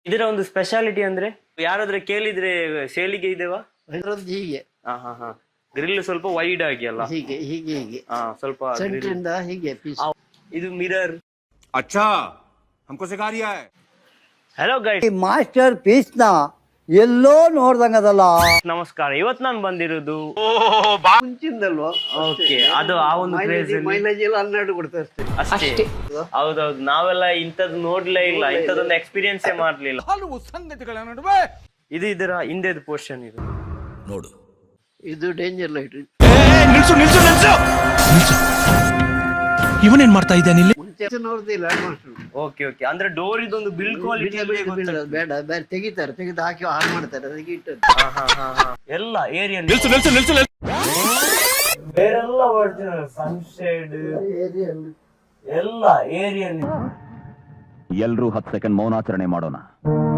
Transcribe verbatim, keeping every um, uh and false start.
ಇದರ ಒಂದು ಸ್ಪೆಷಾಲಿಟಿ ಅಂದ್ರೆ ಯಾರಾದ್ರೆ ಕೇಳಿದ್ರೆ ಸೇಲಿಗೆ ಇದೆವಾ? ಇದ್ರದ್ದು ಹೀಗೆ ಹಾ ಹಾ ಹಾ ಗ್ರಿಲ್ ಸ್ವಲ್ಪ ವೈಡ್ ಆಗಿ ಅಲ್ಲ, ಹೀಗೆ ಹೀಗೆ ಹೀಗೆ ಹಾ ಸ್ವಲ್ಪ grill. ಸೆಂಟ್ರಿಂದ ಹೀಗೆ ಪೀಸ್. ಇದು ಮಿರರ್. अच्छा हमको सिखा रिया है. ಹಲೋ ಗೈಸ್, ಈ ಮಾಸ್ಟರ್ ಪೀಸ್ ನ ಎಲ್ಲೋ ನೋಡ್ದಂಗದಲ್ಲ. ನಮಸ್ಕಾರ. ಇವತ್ತು ನಾನು ಬಂದಿರೋದು ಮುಂಚಿಂದಲ್ವಾ? ಓಕೆ, ಅದು ಆ ಒಂದು ಕ್ರೇಜ್ ಮೈಲೇಜ್ ಎಲ್ಲ ಹನ್ನೆರಡು ಕೊಡ್ತಾ ಅಷ್ಟೇ. ಅಷ್ಟೇ. ಹೌದೌದು, ನಾವೆಲ್ಲ ಇಂಥದ್ದು ನೋಡ್ಲೇ ಇಲ್ಲ, ಇಂಥದ್ದೊಂದು ಎಕ್ಸ್ಪೀರಿಯನ್ಸೇ ಮಾಡ್ಲಿಲ್ಲ. ಹಲವು ಸಂಗತಿಗಳ ನಡುವೆ ಇದು ಇದರ ಹಿಂದೆದು ಪೋರ್ಷನ್. ಇದು ನೋಡು, ಇದು ಡೇಂಜರ್ ಲೈಟ್. ನಿಲ್ಸು ನಿಲ್ಸು ನಿಲ್ಸು ನಿಲ್ಸು. ಇವನೇನ್ ಮಾಡ್ತಾ ಇದ್ದಾನೆ ಇಲ್ಲಿ? ಮುಂಚೆ ನೋಡ್ದಿಲ್ಲ ಮಾಸ್ಟರ್. ಓಕೆ ಓಕೆ, ಅಂದ್ರೆ ಡೋರ್ ಇದೊಂದು ಬಿಲ್ಡ್ ಕ್ವಾಲಿಟಿ ಬೇಡ ಬೇರೆ ತೆಗಿತಾರೆ, ತೆಗೆದು ಹಾಕಿ ಹಾಳು ಮಾಡ್ತಾರೆ. ಅದಕ್ಕೆ ಇಟ್ಟು ಎಲ್ಲ ಏರಿಯಾ ನಿಲ್ಸು ನಿಲ್ಸು ನಿಲ್ಸು ನಿಲ್ಸು. ಬೇರೆಲ್ಲ ಒರಿಜಿನಲ್ ಸನ್ಶೇಡ್ ಎಲ್ಲ ಏರಿಯಾ. ಎಲ್ರೂ ಹತ್ತು ಸೆಕೆಂಡ್ ಮೌನಾಚರಣೆ ಮಾಡೋಣ.